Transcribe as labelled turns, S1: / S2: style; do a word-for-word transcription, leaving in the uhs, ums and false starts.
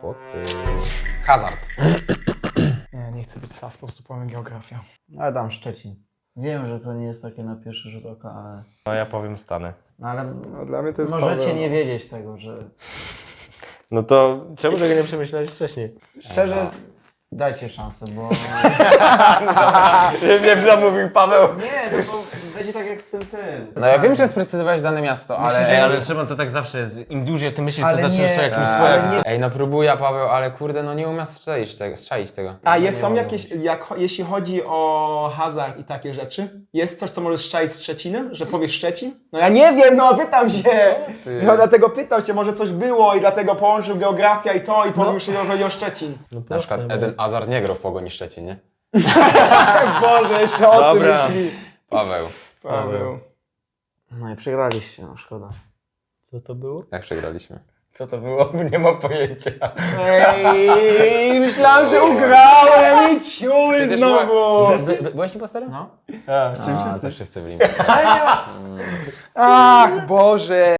S1: Kłopoty.
S2: Hazard.
S3: Nie, nie chcę być sas, po prostu powiem geografia.
S4: Ale dam Szczecin. Wiem, że to nie jest takie na pierwszy rzut oka, ale...
S1: No ja powiem Stany.
S4: No ale
S3: No, dla mnie to jest
S4: możecie
S3: Paweł.
S4: nie wiedzieć tego, że...
S1: No to czemu tego nie przemyślałeś wcześniej?
S4: Szczerze, dajcie szansę, bo...
S1: Nie zamówił Paweł.
S4: Nie, no bo będzie tak jak z tym tym.
S2: No ja wiem, że sprecyzowałeś dane miasto, ale...
S1: Ej, ale Szymon, to tak zawsze jest. Im dłużej ty myślisz, to
S4: Ale
S1: zaczynasz
S4: nie,
S1: to jakimś
S4: tak.
S1: swoim.
S4: Ale nie-
S2: Ej, no próbuję, Paweł, ale kurde, no nie umiem strzelić tego. Strzelić tego.
S3: A
S4: Nie
S3: jest, są
S4: mogę.
S3: jakieś, jak, jeśli chodzi o hazard i takie rzeczy, jest coś, co możesz strzelić z Szczecinem, że powiesz Szczecin? No ja nie wiem, no pytam się!
S2: ty?
S3: No dlatego pytam się, może coś było i dlatego połączył geografia i to i powiem, że chodzi o Szczecin.
S1: No
S2: Na przykład
S1: proste,
S2: Eden Hazard nie grał w Pogoni Szczecin, nie?
S3: Boże, jeszcze o tym
S1: Dobra.
S3: myśli.
S2: Paweł.
S3: Paweł.
S4: No i przegraliście, no szkoda.
S1: Co to było?
S2: Jak przegraliśmy?
S1: Co to było? Nie mam pojęcia.
S3: Ej, myślałem, że ugrałem i ciul
S2: Przecież
S3: znowu.
S2: By, by, byłeś impostorem?
S4: No.
S1: A,
S2: A, to wszyscy byli.
S3: Ach, Boże.